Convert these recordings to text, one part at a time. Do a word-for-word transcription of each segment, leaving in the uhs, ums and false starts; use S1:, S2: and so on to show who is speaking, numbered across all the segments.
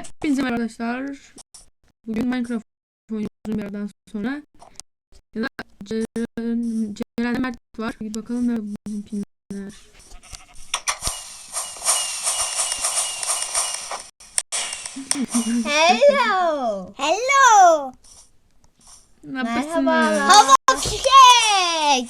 S1: Hepinize merhaba arkadaşlar. Bugün Minecraft oynuyoruz bir yerden sonra. Ya da Ceren Mert var. Bir bakalım nerede bizimkiler.
S2: Hello. Hello.
S1: Merhaba.
S2: Hava fişek.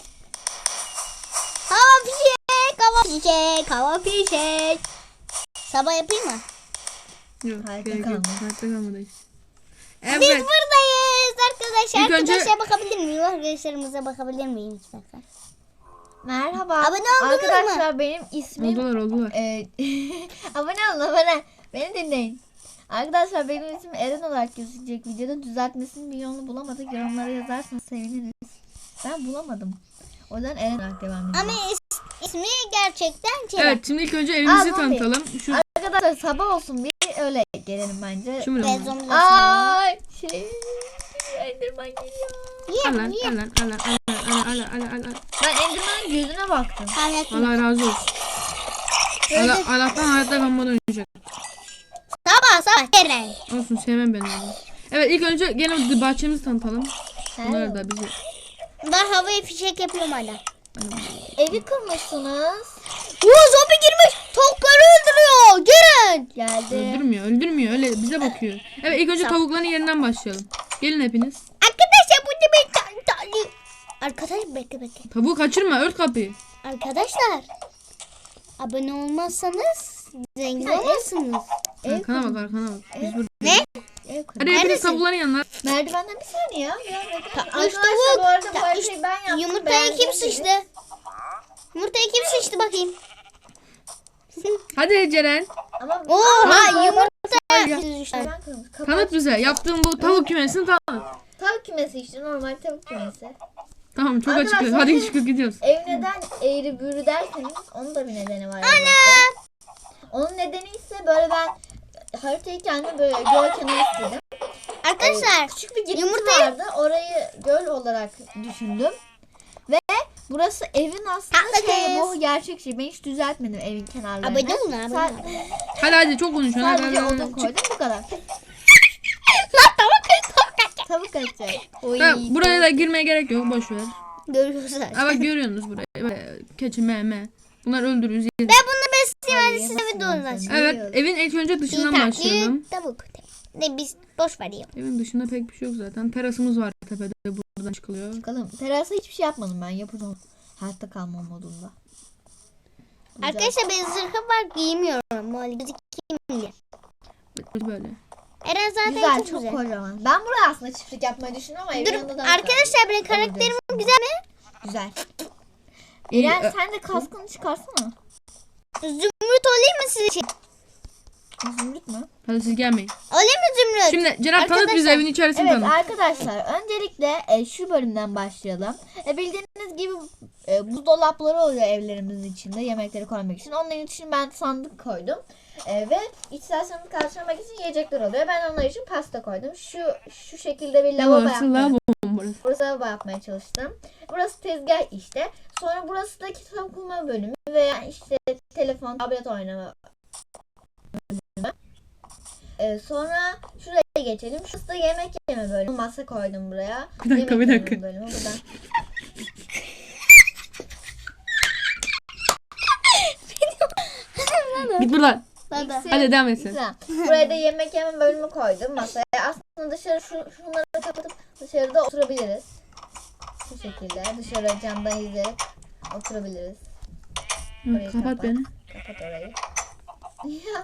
S2: Hava fişek. Hava fişek. Hava fişek. Sabah yapayım mı?
S1: Yok,
S2: Hayatta
S1: gerek yok.
S2: kalma.
S1: Hayatta kalmadayız.
S2: Biz
S1: Evet.
S2: buradayız arkadaşlar.
S1: İlk önce-
S2: Arkadaşlar bakabilir miyim? Arkadaşlarımıza bakabilir miyim? Lütfen.
S3: Merhaba.
S2: Abone oldunuz
S3: Arkadaşlar benim ismim
S1: Oldular oldular.
S3: e, abone olun abone. Beni dinleyin. Arkadaşlar benim ismim Eren olarak gözükecek videoda. Düzeltmesinin bir yolunu bulamadık. Yorumlara yazarsanız seviniriz. Ben bulamadım. O yüzden Eren olarak devam ediyorum.
S2: Ama is- ismi gerçekten Ceren.
S1: Evet, şimdi ilk önce evimizi
S3: Aa, zombi.
S1: tanıtalım. Şu
S3: Arkadaşlar sabah olsun bir öyle gelelim bence.
S1: şimdi
S2: Ve
S1: mi?
S2: zombiler
S3: Ay şey Enderman geliyor.
S2: Yiyelim,
S1: Alan
S2: yiyelim.
S1: alan alan alan alan alan alan alan.
S3: Ben Enderman'ın gözüne baktım.
S2: Hayatım.
S1: Allah razı olsun. Allah, Allah'tan hayatta kalmadan oynayacak.
S2: Sabah sabah Ceren.
S1: Olsun, sevmem ben onu. Evet, ilk önce gene bahçemizi tanıtalım. Bunlar da bizi.
S2: Ben havaya fişek yapıyorum hala.
S3: Evi kırmışsınız.
S2: Oo, zombi girmiş. Tavukları öldürüyor. Ceren.
S3: Geldi.
S1: Öldürmüyor, öldürmüyor. Öyle bize bakıyor. Evet, ilk önce
S2: Tamam.
S1: tavukların yerinden başlayalım. Gelin hepiniz.
S2: Arkadaşlar bu da bir tane tane. Arkadaşlar bekle bekle.
S1: Tavuğu kaçırma, ört kapıyı.
S2: Arkadaşlar. Abone olmazsanız zengin
S3: Sen ev-
S2: olmazsınız.
S3: Ev
S1: Arkana bak, arkana bak. Biz burada.
S2: Ne?
S3: Ev kırdım.
S1: Hadi hepiniz
S2: Neredesin?
S1: tavukların yanına.
S3: Merdivenden bir saniye ya. Biraz bekle.
S2: Ta-
S3: Arkadaşlar
S2: üç tavuk.
S3: bu arada bu
S2: Ta-
S3: haritayı
S2: üç-
S3: ben yaptım.
S2: Yumurtayı kim
S3: beğendiğim
S2: sıçtı?
S3: gibi.
S2: Yumurtayı kim sıçtı bakayım.
S1: Hadi Ceren.
S3: Ama
S2: Oha yumurta.
S1: Ya.
S3: ben kırmış. Kapat.
S1: Tanıt bize. Yaptığın bu tavuk kümesini tanıt.
S3: Tavuk kümesi işte normal tavuk kümesi.
S1: Tamam, çok
S3: Arkadaşlar,
S1: açık. Hadi çıkıp gidiyoruz.
S3: Ev neden eğri büğrü derseniz onun da bir nedeni var. Ana! Onun nedeni ise böyle ben haritayı kendime böyle göl kenarı istedim.
S2: Arkadaşlar
S3: Küçük bir girinti
S2: Yumurtayı-
S3: vardı. Orayı göl olarak düşündüm. Ve burası evin aslında
S2: Atla
S3: şey,
S2: kız.
S3: bu gerçek şey. Ben hiç düzeltmedim evin kenarlarını.
S2: abone olun abone
S3: Sa-
S2: olun.
S1: Hadi hadi, çok konuşuyorsun. Hadi,
S3: Sadece
S1: hadi,
S3: odun
S1: hadi.
S3: koydum bu kadar.
S2: Lan tavuk tavuk.
S3: Tavuk kaçacak.
S1: Ha, buraya da girmeye gerek yok. Boş ver.
S2: Görüyoruz
S1: Ha
S2: zaten.
S1: bak, görüyorsunuz burayı. Böyle keçi, meme. Bunlar öldürürüz.
S2: Ben bunu besleyeyim hadi
S3: Ay,
S2: size bir
S3: yemezsin
S2: dolar.
S3: sen.
S1: Evet, evin ilk önce dışından başlayalım.
S2: Tavuk. Ne biz boş ver ya.
S1: Evin dışında pek bir şey yok zaten. Terasımız var tepede, buradan çıkılıyor.
S3: Bakalım. Terasa hiçbir şey yapmadım ben. Yapacağım. Hayatta kalma modunda. Güzel.
S2: Arkadaşlar ben zırhım var giymiyorum. Böyle gözükeyim diye.
S1: Böyle.
S2: Eren zaten
S3: Güzel,
S2: çok,
S3: çok
S2: güzel.
S3: kocaman. Ben buraya aslında çiftlik yapmayı düşünüyorum ama evin
S2: Dur
S3: yanında da
S2: arkadaşlar benim karakterim güzel mi?
S3: güzel.
S1: İyi,
S3: İrem
S1: e-
S3: sen de kaskını çıkarsana.
S2: Zümrüt olayım mı sizin için?
S3: Zümrüt mü?
S1: Hadi siz gelmeyin.
S2: Olayım mı zümrüt?
S1: Şimdi Ceren tanıt bize
S2: Arkadaşlar,
S1: evin içerisini
S3: Evet
S1: tanıt.
S3: arkadaşlar öncelikle e, şu bölümden başlayalım. E, bildiğiniz gibi e, buzdolapları oluyor evlerimizin içinde yemekleri koymak için. Onların için ben sandık koydum. E, ve ihtiyaçlarımızı karşılamak için yiyecekler oluyor. Ben onlar için pasta koydum. Şu şu şekilde bir lavabo
S1: Burası
S3: yapmaya,
S1: lavabo burası.
S3: burası lavabo yapmaya çalıştım. Burası tezgah işte. Sonra burası da kitap okuma bölümü veya işte telefon, tablet oynama. Ee, sonra şuraya geçelim. Şurası da yemek yeme bölümü. Masa koydum buraya.
S1: Bir dakika,
S3: Yemek
S1: bir
S3: yeme
S1: dakika.
S3: Bölümü. Buradan.
S1: Git buradan.
S2: Baba.
S3: İkisi-
S1: Hadi devam etsin.
S3: Güzel. Buraya da yemek yeme bölümü koydum masaya. Aslında dışarı şu, şunları kapatıp dışarıda oturabiliriz. Bu şekilde dışarı camdan izleyerek oturabiliriz.
S1: Hı,
S3: Orayı
S1: kapat
S3: kapat.
S1: beni.
S3: Kapat orayı. Ya.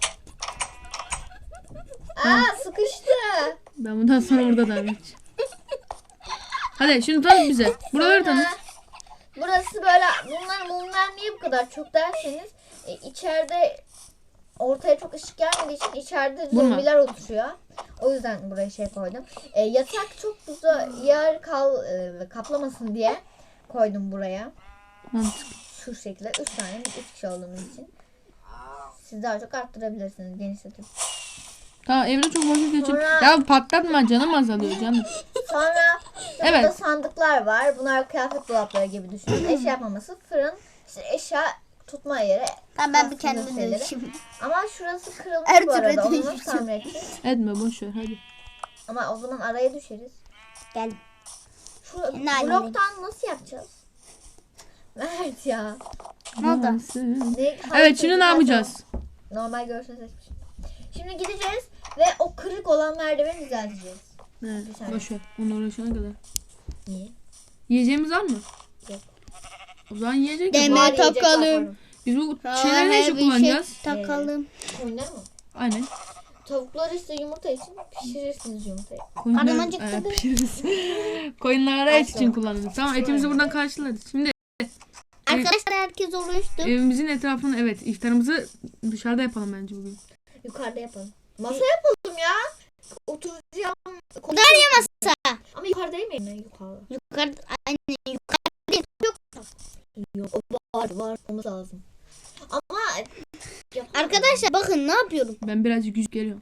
S3: Aa sıkıştı.
S1: Ben bundan sonra burada devam edeceğim. Hadi şimdi tanıt bize. Buraları
S3: Sonra
S1: tanıt.
S3: Burası böyle bunlar mumlar niye bu kadar çok derseniz e, içeride ortaya çok ışık gelmediği için içeride
S1: Vurma.
S3: zombiler oturuyor. O yüzden buraya şey koydum. E, yatak çok uzun yer kal e, kaplamasın diye koydum buraya.
S1: Mantık.
S3: Şu şekilde üç tane biz üç kişi olduğumuz için. Siz daha çok arttırabilirsiniz genişletip.
S1: Tamam, evde çok vakit geçir.
S3: Sonra-
S1: Ya patlatma, canım azalıyor canım.
S3: Sonra işte
S1: Evet.
S3: burada sandıklar var. Bunlar kıyafet dolapları gibi düşünün. Eşya yapmaması, fırın, işte eşya tutma yeri.
S2: Tamam ben bir
S3: Aslında
S2: kendime
S3: şeyleri.
S2: dönüşeyim.
S3: Ama şurası kırılmış
S2: Her
S3: bu
S2: türlü
S3: arada. Onu nasıl
S2: dönüşeceğim.
S3: tamir edeceğiz?
S1: Etme boş ver hadi.
S3: Ama o zaman araya düşeriz.
S2: Gel.
S3: Şu
S2: Ne halinde?
S3: bloktan nasıl yapacağız? Mert ya.
S2: Ne oldu?
S3: Ne,
S1: Evet şimdi ne yapacağız?
S3: Normal görsel seçmişim. Şimdi gideceğiz ve o kırık olan merdiveni düzelteceğiz.
S1: Evet,
S3: Bir saniye.
S1: boş ver. Onu uğraşana kadar.
S3: Niye?
S1: Yiyeceğimiz var mı?
S3: Yok.
S1: O zaman yiyecek
S2: Deme
S1: yok.
S3: Var, yiyecek var,
S2: takalım.
S3: pardon.
S1: Biz bu
S2: Ha,
S1: şeyleri ne
S2: her
S1: için
S2: bir şey
S1: kullanacağız?
S2: takalım.
S3: Koyunlar mı?
S1: Aynen.
S3: Tavukları işte yumurta için pişirirsiniz yumurtayı.
S1: Koyunları
S2: Karnım acıktı
S1: e,
S2: be.
S1: pişiririz. Koyunlara et için
S3: Asla.
S1: kullanırız. Tamam etimizi buradan karşılarız. Şimdi
S2: Arkadaşlar herkes oluştu.
S1: evimizin etrafını evet iftarımızı dışarıda yapalım bence bugün.
S3: Yukarıda yapalım. Masa yapalım ya. Oturacağım.
S2: Darya masa.
S3: Ama yukarıda yemeyin mi? Yukarıda.
S2: Yukarı, anne yukarı değil. Yok.
S3: Yok. O var var. Olması lazım. Ama yapalım.
S2: Arkadaşlar bakın ne yapıyorum.
S1: Ben birazcık yüz geliyorum.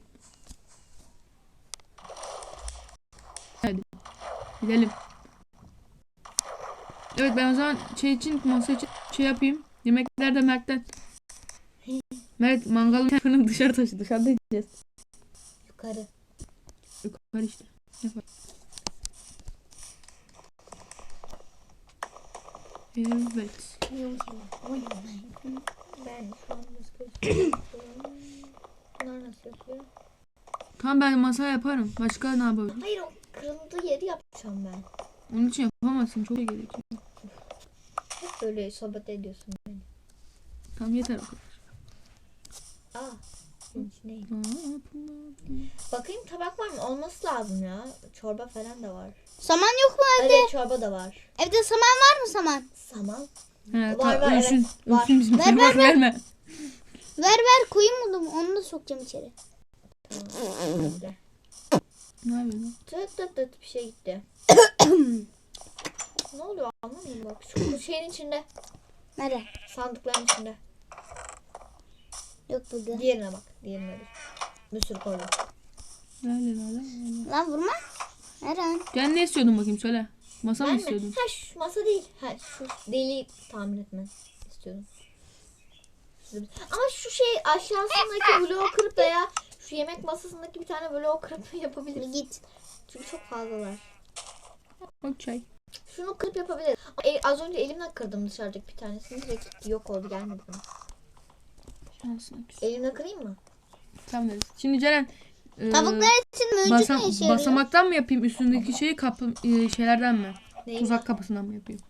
S1: Hadi. Gidelim. Evet ben o zaman şey için masa için şey yapayım. Yemekler de Mert'ten. Mert mangalın fırını dışarı taşı. Dışarıda yiyeceğiz.
S3: Yukarı.
S1: Yukarı işte. Yapar. Evet.
S3: Ben şu an nasıl gösteriyorum? Bunlar nasıl yapıyor?
S1: Tamam ben masa yaparım. Başka ne yapabilirim?
S3: Hayır o kırıldığı yeri yapacağım ben.
S1: Onun için yapamazsın. Çok şey gerekiyor.
S3: Hep böyle sohbet ediyorsun beni.
S1: Tamam yeter o kadar.
S3: Aa. Senin için değil.
S1: Aa,
S3: Bakayım tabak var mı? Olması lazım ya. Çorba falan da var.
S2: Saman yok mu evde?
S3: Evet çorba da var.
S2: Evde saman var mı saman?
S3: Saman.
S1: He,
S3: Var,
S1: ta,
S3: var,
S1: ölsün.
S3: evet, var.
S1: Ölsün bizim.
S2: Ver,
S1: Ver,
S2: ver, ver.
S1: verme.
S2: Ver ver koyayım bunu. Onu da sokacağım içeri.
S3: Şimdi.
S1: Ne yapıyorsun?
S3: Tıt tıt tıt bir şey gitti. Ne oluyor anlamıyorum bak. Şu şeyin içinde.
S2: Nerede?
S3: Sandıkların içinde.
S2: Yok burada.
S3: Diğerine bak. Diğerine dur. Bir sürü koydum.
S1: Lale lale lale.
S2: Lan vurma. Eren.
S1: Sen ne istiyordun bakayım söyle. Masa mı
S3: Ben mi?
S1: istiyordun?
S3: Ha şu masa değil. Ha şu deliği tamir etmen istiyordum. Şurada bir- Ama şu şey aşağısındaki bloğu kırıp veya şu yemek masasındaki bir tane bloğu kırıp yapabiliriz.
S2: Git.
S3: Çünkü çok fazlalar.
S1: Okey.
S3: Şunu kırıp yapabiliriz. Ama e- az önce elimle kırdım dışarıdaki bir tanesini. Direkt gitti, yok oldu gelmedi bana.
S1: Şansına küs.
S3: Elimle kırayım mı?
S1: Tamam deriz. Şimdi Ceren e,
S2: Tavuklar için mücük
S1: basam-
S2: ne işe yarıyor?
S1: basamaktan mı yapayım üstündeki şeyi kapı e, şeylerden mi?
S3: Neyi
S1: Tuzak kapısından mı yapayım?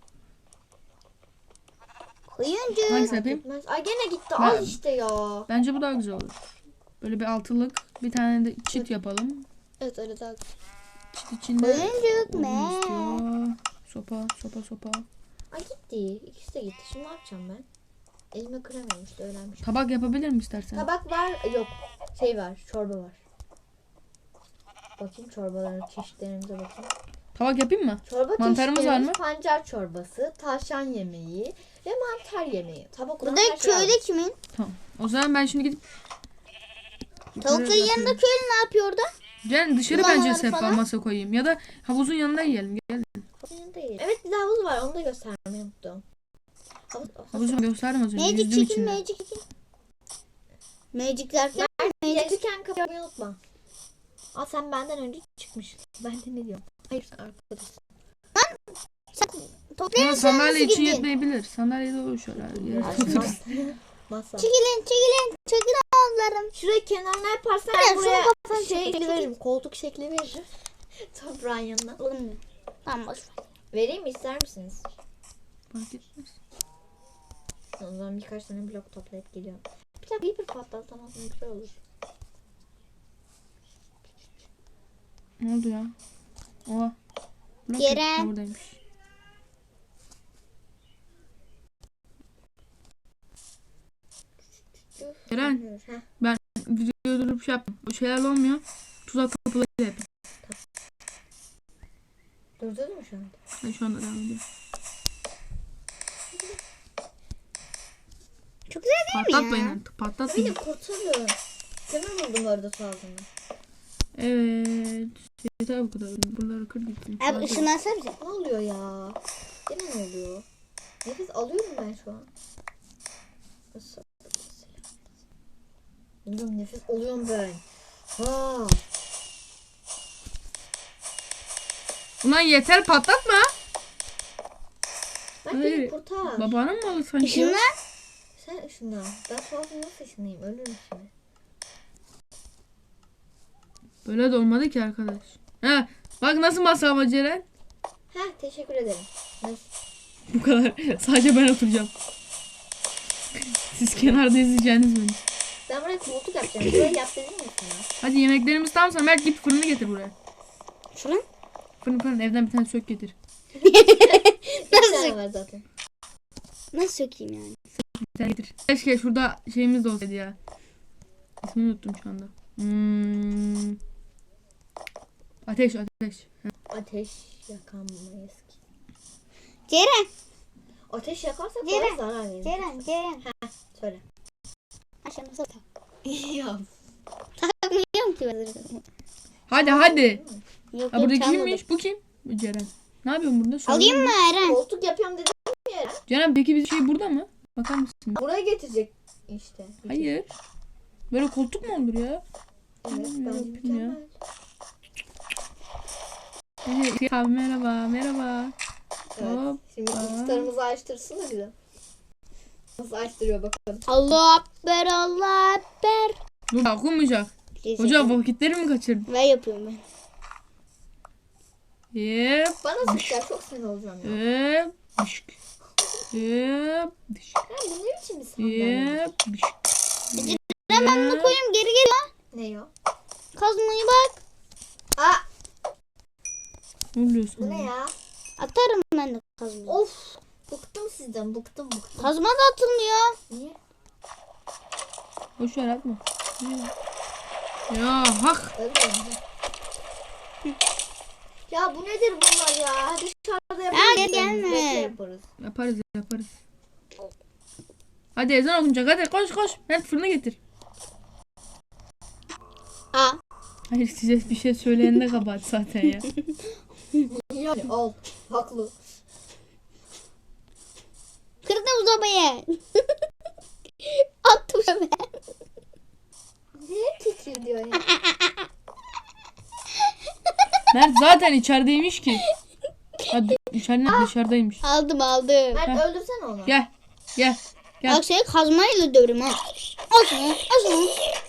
S2: Koyuncu.
S1: Hangisini yapayım?
S3: Gitmez. Ay gene gitti.
S1: Ben-
S3: Al işte ya.
S1: Bence bu daha güzel olur. Böyle bir altılık bir tane de çit yapalım.
S3: Evet öyle daha.
S1: Çit içinde
S2: Koyuncuk
S1: odun
S2: ne?
S1: istiyor. Sopa sopa sopa.
S3: Ay gitti. İkisi de gitti. Şimdi ne yapacağım ben? Elime kıramıyorum işte öğrenmiş.
S1: Tabak yapabilir mi istersen?
S3: Tabak var. Yok. Şey var. Çorba var. Bakayım çorbaların çeşitlerimize bakayım.
S1: Tabak yapayım mı?
S3: Çorba
S1: Mantarımız var
S3: çeşitlerimiz
S1: mı?
S3: pancar çorbası, tavşan yemeği ve mantar yemeği. Tabak olan
S2: Bu da
S3: her şey
S2: köylü
S3: var.
S2: kimin?
S1: Tamam. O zaman ben şimdi gidip
S2: Tavukların
S1: Yukarı
S2: yanında
S1: bakayım.
S2: köylü ne yapıyor orada?
S1: Ceren dışarı
S2: Kullanmaları
S1: bence sehpa
S2: falan.
S1: masa koyayım. Ya da havuzun yanında yiyelim. Gel.
S3: Değil. Evet bir de havuz var. Onu da göstermeyi unuttum. Havuz,
S1: Havuzu gösterdim az önce.
S2: Magic
S1: Yüzdüm
S2: çekin
S1: içinde.
S2: magic çekin. Magic derken magic.
S3: Gelirken kapıyı unutma. Aa sen benden önce çıkmışsın. Ben de ne diyorum? Hayır sen arkadaşsın.
S2: Toplayın
S1: Ya,
S2: sen nasıl
S1: sandalye için
S2: gittin?
S1: yetmeyebilir. Sandalye de olur şöyle. Yere tutulur.
S3: Masa.
S2: Çekilin çekilin. Çekilin oğullarım.
S3: Şurayı kenarına yaparsan
S2: Aynen,
S3: ben buraya
S2: şunu kapatsana,
S3: şey
S2: çekil,
S3: şekli veririm. Koltuk şekli veririm. Toprağın yanına.
S2: Olmuyor. Tamam boş ver.
S3: Vereyim mi ister misiniz?
S1: Fark etmez.
S3: O zaman birkaç tane blok toplayıp geliyorum. Bir dakika bir patlatsam aslında güzel olur.
S1: Ne oldu ya? Oha. Blok
S2: Ceren.
S1: yok, buradaymış. Ceren.
S3: Heh.
S1: Videoyu durup şey yapma. O şeyler olmuyor. Tuzak kapıları da yapayım.
S3: Durdun mu şu anda?
S1: Ben şu anda devam ediyorum.
S2: Çok güzel değil mi ya?
S1: Patlatmayın artık. Patlatmayın.
S3: Beni kurtarın. Kömür buldum orada su altında.
S1: Evet. Yeter bu kadar. Buraları kır gittim.
S2: Abi ışınlansana bize.
S3: Ne oluyor ya? Gene ne oluyor? Nefes alıyorum ben şu an. Bilmiyorum, nefes oluyorum ben. Ha.
S1: Ulan yeter patlatma.
S3: Ben
S1: Hayır.
S3: beni kurtar.
S1: Babanın malı sanki.
S2: Işınla.
S3: Sen ışınla. Ben sonra nasıl ışınlayayım? Ölürüm şimdi.
S1: Böyle de olmadı ki arkadaş. Ha, bak nasıl masama Ceren.
S3: Heh, teşekkür ederim. Nasıl?
S1: Bu kadar. Sadece ben oturacağım. Siz kenarda izleyeceğiniz beni.
S3: Ben buraya koltuk yapacağım. Buraya yap dedin mi sana?
S1: Hadi yemeklerimiz tamamsa Mert git fırını getir buraya.
S2: Şunu.
S1: Fırın fırın evden bir tane sök getir.
S3: Bir tane
S2: Nasıl?
S3: var zaten.
S2: Nasıl sökeyim yani?
S1: Bir tane getir. Keşke şurada şeyimiz de olsaydı ya. İsmini unuttum şu anda. Hmm. Ateş ateş.
S3: Ateş yakamayız ki.
S2: Ceren.
S3: Ateş yakarsak
S2: Ceren,
S3: bana zarar verir.
S2: Ceren. Ceren.
S3: Söyle.
S2: Aşağı nasıl tak?
S3: Ya.
S2: Takmıyorum ki ben.
S1: Hadi hadi.
S2: Yok
S1: Ha,
S2: yok
S1: burada
S2: çalmadım.
S1: kimmiş? Bu kim? Bu Ceren. Ne yapıyorsun burada? Söyle.
S2: Alayım mı Eren?
S3: Koltuk yapıyorum dedim ya.
S1: Ceren peki bir şey burada mı? Bakar mısın?
S3: Buraya getirecek işte.
S1: Hayır. Böyle koltuk mu olur ya?
S3: Evet,
S1: Hmm,
S3: bence
S1: ya.
S3: mükemmel.
S1: Hey, abi merhaba merhaba.
S3: Evet.
S1: Hop.
S3: Şimdi
S1: Aa.
S3: kılıçlarımızı açtırsın da bize. Nasıl açtırıyor bakalım.
S2: Allah Ekber, Allah Ekber.
S1: Dur okunmayacak. Hocam vakitleri mi kaçırdın?
S2: Ben yapıyorum ben.
S1: Yep.
S3: Bana sıkar, çok sinir olacağım ya.
S1: Yep. Dışk. Yep. Dışk.
S3: Ha, bu ne biçim bir sandalye?
S1: Yep. Dışk.
S2: Ben ben bunu koyayım geri geliyor.
S3: Ne o?
S2: Kazmayı bak.
S3: Aa,
S1: Ne oluyor
S3: bu
S1: sana?
S3: ne ya?
S2: Atarım ben de kazmayı.
S3: Of. Bıktım sizden, bıktım bıktım.
S2: Kazma da atılmıyor.
S3: Niye?
S1: Boş ver atma. Ya hak.
S3: Öldüm. Ya bu nedir bunlar ya? Dışarıda
S2: Ya,
S3: yaparız.
S2: gel
S3: biz,
S2: gelme.
S3: bekle yaparız.
S1: Yaparız yaparız. Hadi ezan okunacak hadi koş koş. Mert fırını getir.
S2: Aa.
S1: Hayır size bir şey söyleyen de kabahat zaten ya.
S3: Yani al. Haklı.
S2: Kırdım sobayı. Attım şöyle.
S3: Niye titriyor diyor ya?
S1: Mert zaten içerideymiş ki. Hadi içeriden dışarıdaymış.
S2: Aldım aldım.
S3: Mert
S1: Heh.
S3: öldürsene onu.
S1: Gel. Gel. Gel.
S2: Bak seni kazmayla dövürüm ha. Al şunu. Al şunu.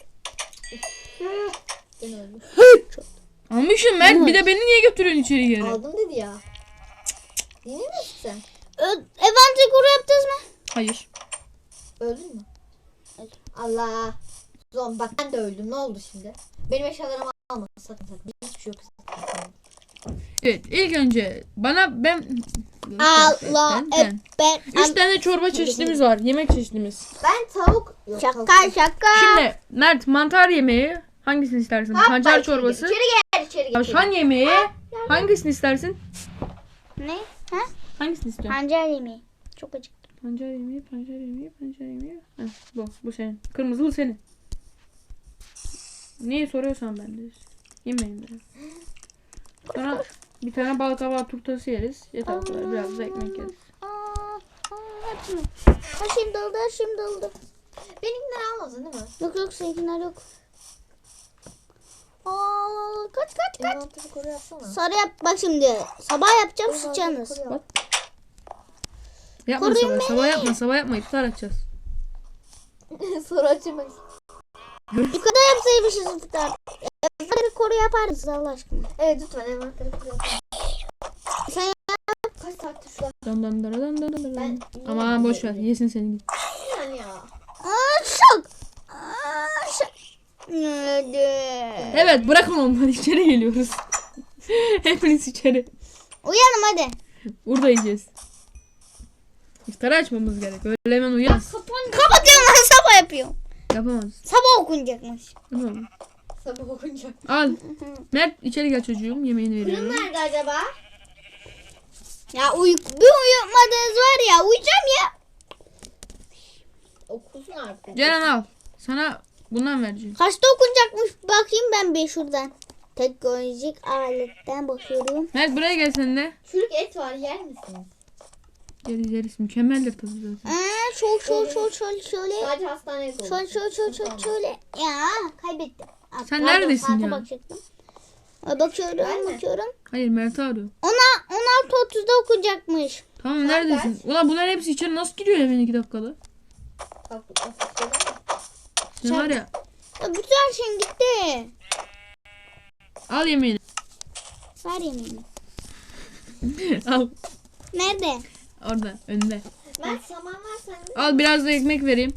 S3: Ben öldüm.
S1: Almışım Mert bir de beni niye götürüyorsun içeri geri?
S3: Aldım dedi ya. Yine mi sen?
S2: Event kuru yaptınız mı?
S1: Hayır.
S3: Öldün mü?
S2: Öldüm.
S3: Allah. Zon bak ben de öldüm. Ne oldu şimdi? Benim eşyalarımı alma. Sakın sakın. Hiçbir şey yok. Sakın.
S1: Evet ilk önce bana ben...
S2: Allah
S1: Ben- ben-
S2: Ekber.
S1: Üç tane çorba çeşitimiz var. Yemek çeşitimiz.
S3: Ben tavuk... Yok, tavuk
S2: Şaka
S3: değil.
S2: şaka.
S1: Şimdi Mert mantar yemeği hangisini istersin?
S3: Hoppa,
S1: Pancar
S3: içeri
S1: çorbası.
S3: gel, İçeri gel içeri gel.
S1: Tavşan yemeği hangisini istersin?
S2: Ne? Ha?
S1: Hangisini istiyorsun?
S2: Pancar yemeği. Çok acıktım.
S1: Pancar yemeği, pancar yemeği, pancar yemeği. Heh, bu, bu senin. Kırmızı bu senin. Niye soruyorsan ben de. Yemeyin de. Sonra bir tane bal kabağı turtası yeriz. Yeter bu kadar. Biraz da ekmek yeriz.
S2: Aa, aa, hepsini. Ha şimdi oldu, ha şimdi oldu.
S3: Benimkileri almadın değil mi?
S2: Yok yok seninkiler yok. Aa, kaç kaç kaç.
S3: Envanteri koru yapsana.
S2: Sarı yap bak şimdi. Sabah yapacağım sıçacağınız.
S3: Envanteri koru yap.
S1: Yapma
S2: Koruyun
S1: sabah.
S2: beni.
S1: Sabah yapma. Sabah yapma. İftar açacağız.
S3: Sonra açamayız.
S2: Yukarıda yapsaymışız iftar. Evde bir koru yaparız Allah aşkına.
S3: Evet lütfen envanteri koru yap.
S2: Sen
S3: Kaç saattir şu an?
S1: Dan dan dan dan dan dan.
S3: Ben...
S1: Aman boş ver. Yesin seni git.
S3: Yani ya.
S2: Aa, şok. Aa, şok. Nerede?
S1: Evet bırakın onları. İçeri geliyoruz. Hepiniz içeri.
S2: Uyanım hadi.
S1: Burada yiyeceğiz. İftarı açmamız gerek. Öyle hemen uyan.
S2: Kapatıyorum lan sabah yapıyorum.
S1: Yapamaz.
S2: Sabah okunacakmış.
S1: Tamam.
S3: Sabah okunca.
S1: Al. Mert içeri gel çocuğum. Yemeğini
S3: Fırın
S1: veriyorum.
S3: nerede acaba?
S2: Ya uy bir uyumadınız var ya uyuyacağım ya.
S3: Okusun artık.
S1: Ceren al. Sana bundan vereceğim.
S2: Kaçta okunacakmış bakayım ben bir şuradan. Teknolojik aletten bakıyorum.
S1: Mert buraya gel sen de.
S3: Çürük et var yer misiniz?
S1: Yeriz yeriz. Mükemmeldir tadı zaten.
S2: Aa, şöyle şöyle şöyle şöyle şöyle.
S3: Sadece hastaneye olur.
S2: Şöyle şöyle şöyle şöyle şöyle. Ya kaybettim. Aa,
S1: Sen
S2: pardon,
S1: neredesin
S2: saate
S1: ya?
S2: bakacaktım. Aa, bakıyorum
S3: Ben mi?
S2: bakıyorum.
S1: Hayır Mert'i arıyor.
S2: Ona on altı otuzda okunacakmış.
S1: Tamam
S3: Saat
S1: neredesin? Ulan bunların hepsi içeri nasıl giriyor ya iki dakikada?
S3: Bak, bu ofiste de mi?
S1: Sen var ya.
S2: Ya bütün her şeyin gitti.
S1: Al yemeğini.
S2: Ver yemeğini.
S1: Al.
S2: Nerede?
S1: Orada önde.
S3: Mert saman var sende.
S1: Al biraz da ekmek vereyim.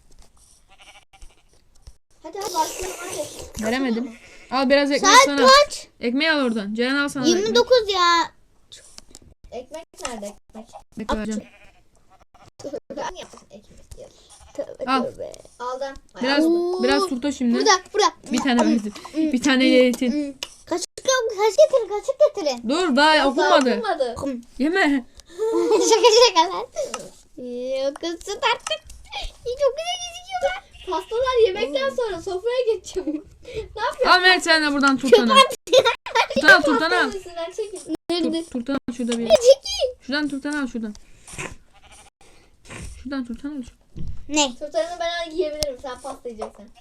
S3: Hadi hadi başlayalım hadi.
S1: Veremedim. Al biraz ekmek
S2: Saat
S1: sana.
S2: kaç?
S1: Ekmeği al oradan. Ceren al sana. da ekmek.
S2: yirmi dokuz ya.
S3: Ekmek nerede ekmek?
S1: Bekle vereceğim.
S3: Ben yaptım ekmek ya.
S2: Tövbe
S1: Al.
S2: tövbe.
S3: Aldım.
S1: Biraz
S2: Oo.
S1: biraz turta şimdi.
S2: Burada burada.
S1: Bir tane verdim. Bir tane yetin.
S2: Hmm. Kaşık yok. Kaşık getirin kaşık getirin.
S1: Dur daha okunmadı.
S3: Okunmadı.
S2: Hmm.
S1: Yeme.
S2: şaka şaka lan. Yok kızım artık. Çok güzel gözüküyorlar.
S3: Pastalar yemekten sonra sofraya geçiyor. Ne yapıyorsun?
S1: Al Mert sen de buradan turtanı. Turtanı al turtanı al.
S3: Pastanın üstünden çekil.
S2: Nerede?
S1: Tur- Turtanı al şurada bir.
S2: Çekil.
S1: Şuradan turtanı al şuradan. Şuradan turtanı al.
S2: Ne?
S3: Turtanını ben yiyebilirim. Sen pasta yiyeceksin.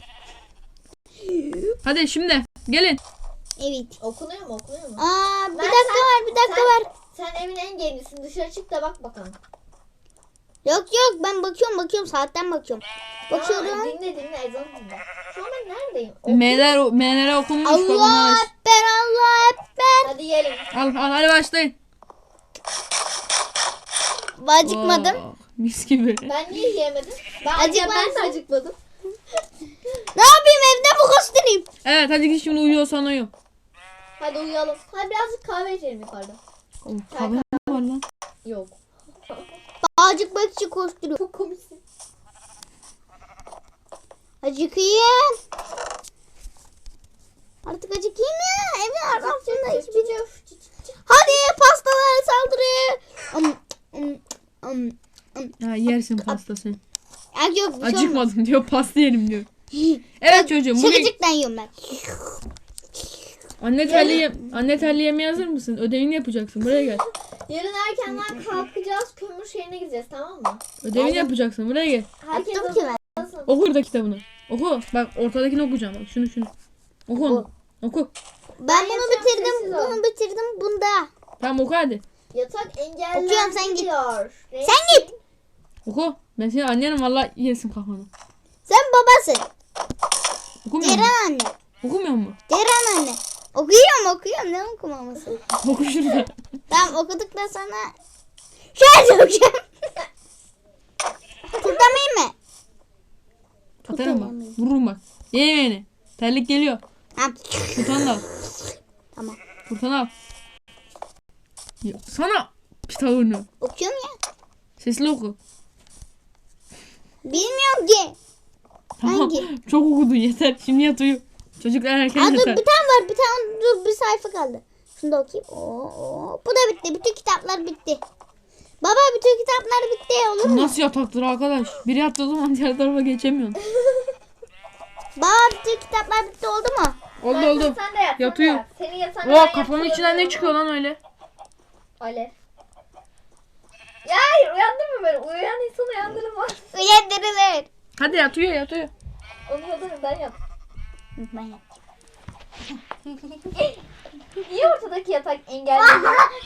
S1: Hadi şimdi gelin.
S2: Evet.
S3: Okunuyor mu? Okunuyor mu?
S2: Aa bir
S3: Ben
S2: dakika
S3: sen-
S2: var bir dakika
S3: sen-
S2: var.
S3: Sen evin en gençsin. Dışarı çık da bak bakalım.
S2: Yok yok ben bakıyorum bakıyorum saatten bakıyorum.
S3: Aa,
S2: Bakıyorum.
S3: dinle dinle ezan dinle. Şu an ben neredeyim? O-
S1: M'ler M'lere okunmuş. bak
S2: Allah
S1: onlar aç.
S2: ekber Allah ekber.
S3: Hadi yiyelim.
S1: Al al hadi başlayın.
S2: Acıkmadım.
S1: Oh, mis gibi.
S3: Ben niye yiyemedim? Ben,
S2: Acıkmadın.
S3: ben de acıkmadım.
S2: Ne yapayım evde mi koşturayım?
S1: Evet hadi git şimdi uyuyorsan uyu.
S3: Hadi uyuyalım. Hadi birazcık kahve içelim yukarıda.
S1: Oh, kahve mi var lan?
S3: Yok.
S2: Acıkmak için koşturuyorum.
S3: Çok komiksin.
S2: Acıkayım. Artık acıkayım ya. Evin arasında hiçbir şey yok. Hadi pastalara saldırı. Um, um, um, um.
S1: Ya yersin pasta sen.
S2: Ya yok bir şey olmaz.
S1: Acıkmadım diyor pasta yerim diyor. Evet çocuğum bugün
S2: Şakacıktan yiyorum ben.
S1: anne terliği anne terliği hazır mısın? Ödevini yapacaksın. Buraya gel.
S3: Yarın erkenden kalkacağız. Kömür şeyine gideceğiz, tamam mı?
S1: Ödevini yapacaksın. Buraya gel.
S3: Herkes
S2: Yaptım ki ben.
S3: hazırlansın.
S1: Oku burada kitabını. Oku. Bak ortadakini okuyacağım. Bak şunu şunu. Oku onu. Oku.
S2: Ben
S3: Ben
S2: bunu
S3: yapacağım,
S2: bitirdim.
S3: sessiz ol.
S2: Bunu bitirdim bunda.
S1: Tamam oku hadi.
S3: Yatak engellendi
S2: Okuyorum, sen git.
S3: diyor.
S2: Sen git.
S1: Oku. Ben senin annenim valla yersin kafanı.
S2: Sen babasın.
S1: Okumuyor musun?
S2: Ceren anne.
S1: Okumuyor mu?
S2: Ceren anne. Okuyorum okuyorum. Ne okumaması?
S1: Oku şurada.
S2: Tamam okuduktan sonra şöyle okuyacağım. Tutamayayım mı?
S1: Atarım bak. Vururum bak. Ye yemeğini. Terlik geliyor.
S2: Tamam.
S1: Turtanı da al.
S2: Tamam.
S1: Turtanı al. Ya, sana kitabını.
S2: Okuyorum ya.
S1: Sesli oku.
S2: Bilmiyorum ki.
S1: Tamam.
S2: Hangi?
S1: Çok okudun yeter. Şimdi yat uyu. Çocuklar erken
S2: Aa, dur
S1: yatar.
S2: bir tane var. Bir tane dur bir sayfa kaldı. Şunu da okuyayım. Oo, oo. Bu da bitti. Bütün kitaplar bitti. Baba bütün kitaplar bitti. Olur mu?
S1: Nasıl yataktır arkadaş? Biri yattığı zaman diğer tarafa geçemiyorsun.
S2: Baba bütün kitaplar bitti oldu mu?
S1: Oldu
S3: Sen-
S1: oldu.
S3: Sen de yat.
S1: Yat
S3: sen de
S1: uyu.
S3: yat. Senin yatağına
S1: Oo
S3: ben
S1: kafamın
S3: yatıyorum.
S1: içinden ne çıkıyor lan öyle?
S3: Alev. Ya hayır uyandın mı böyle? Uyuyan insan uyandırılmaz.
S2: Uyandırılır.
S1: Hadi yat uyu yat uyu.
S3: Onu yaparım ben yap.
S2: Ben yap.
S3: Niye ortadaki yatak engelli?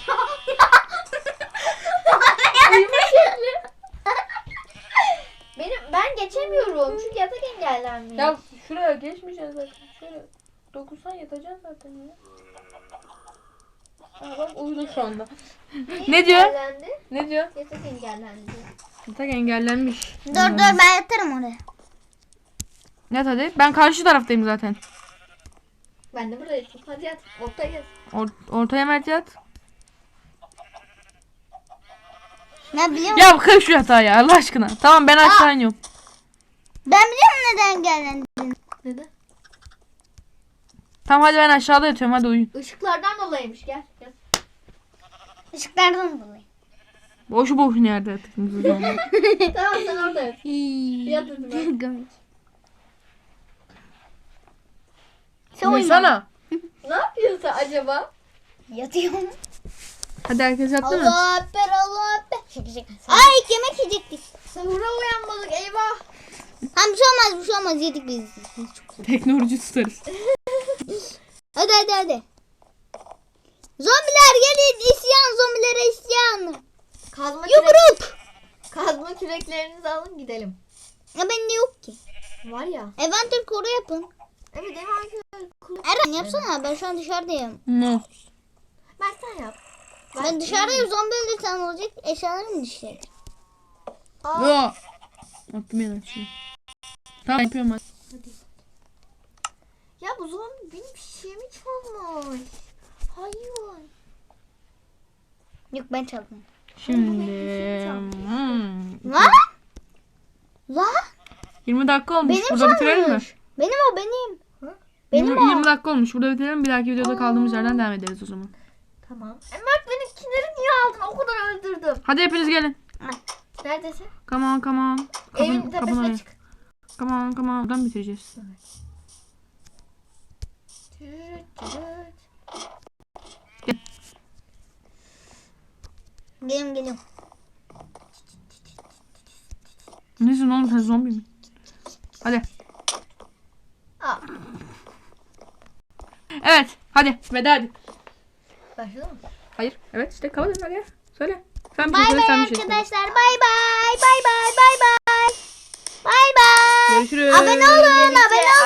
S3: Uyuma şekli. Benim ben geçemiyorum çünkü yatak engellenmiyor.
S1: Ya şuraya geçmeyeceğiz zaten. Şöyle dokunsan yatacaksın zaten ya. Aa, bak uyudu şu anda.
S3: Niye
S1: ne diyor?
S3: engellendi?
S1: Ne diyor?
S3: Yatak engellendi.
S1: Yatak engellenmiş.
S2: Dur dur ben yatarım oraya.
S1: Yat hadi. Ben karşı taraftayım zaten.
S3: Ben de buradayım. Hadi yat. Ortaya yat.
S1: Or- ortaya Mert yat.
S2: Ne biliyor musun?
S1: Ya kır şu yatağı ya Allah aşkına. Tamam ben aşağı iniyorum.
S2: Ben biliyorum neden geldin.
S3: Neden?
S1: Tamam hadi ben aşağıda yatıyorum hadi uyuyun.
S3: Işıklardan dolayıymış. Gel. Gel.
S2: Işıklardan dolayı.
S1: Boşu boşuna yerde yatıyorsunuz o zaman.
S3: Tamam sen orada yat. Yat dedim ben.
S2: Gömük. Sen uyuma.
S1: Uyusana.
S3: Ne yapıyorsun sen acaba?
S2: Yatıyorum.
S1: Hadi herkes yaptı mı?
S2: Allah ekber, Allah ekber. Şaka şaka. Ay yemek yiyecektik.
S3: Sahura uyanmadık eyvah.
S2: Tamam bir şey olmaz, bir şey olmaz, yedik biz.
S1: Teknoloji tutarız.
S2: Hadi hadi hadi. Zombiler gelin, isyan, zombilere isyan.
S3: Kazma kürek,
S2: Yumruk.
S3: kazma küreklerinizi alın gidelim.
S2: Ya bende yok ki.
S3: Var ya.
S2: Evanter koru yapın.
S3: Evet Evan
S2: Eren yapsana, ben şu an dışarıdayım.
S1: No.
S3: Mert sen yap.
S2: Ben dışarıdayım, zombi öldürsen olacak, eşyalarım düşecek.
S3: Aa,
S1: Yo. Attım yine şimdi. Tamam yapıyorum hadi.
S3: ya bu zombi benim şeyimi çalmış. Hayvan.
S2: Yok ben çaldım.
S1: Şimdi. Hmm.
S2: Lan? Lan?
S1: yirmi dakika olmuş.
S2: Benim
S1: Burada bitirelim mi?
S2: çalmış. Benim o benim.
S3: Hı?
S2: Benim
S1: yirmi,
S2: o.
S1: yirmi dakika olmuş. Burada bitirelim. Bir dahaki videoda kaldığımız yerden devam ederiz o zaman.
S3: Tamam. E Mert benimkileri niye aldın? O kadar öldürdüm.
S1: Hadi hepiniz gelin.
S3: Neredesin?
S1: Come on come on.
S3: Evin
S1: Kapın,
S3: tepesine
S1: kapına.
S3: çık.
S1: Come on come on. Buradan bitireceğiz.
S3: Tüt, tüt.
S2: Geliyorum geliyorum.
S1: Nesin oğlum sen zombi mi? Hadi.
S3: Aa,
S1: Evet. Hadi. Veda hadi.
S3: başladı mı?
S1: Hayır. Evet işte kapat hadi. Söyle. Sen bir şey
S2: Bay
S1: söyle
S2: bay
S1: sen bir şey söyle.
S2: arkadaşlar. Bay bay. Bay bay. Bay bay. Bay bay.
S1: Görüşürüz.
S2: Abone olun. Abone olun.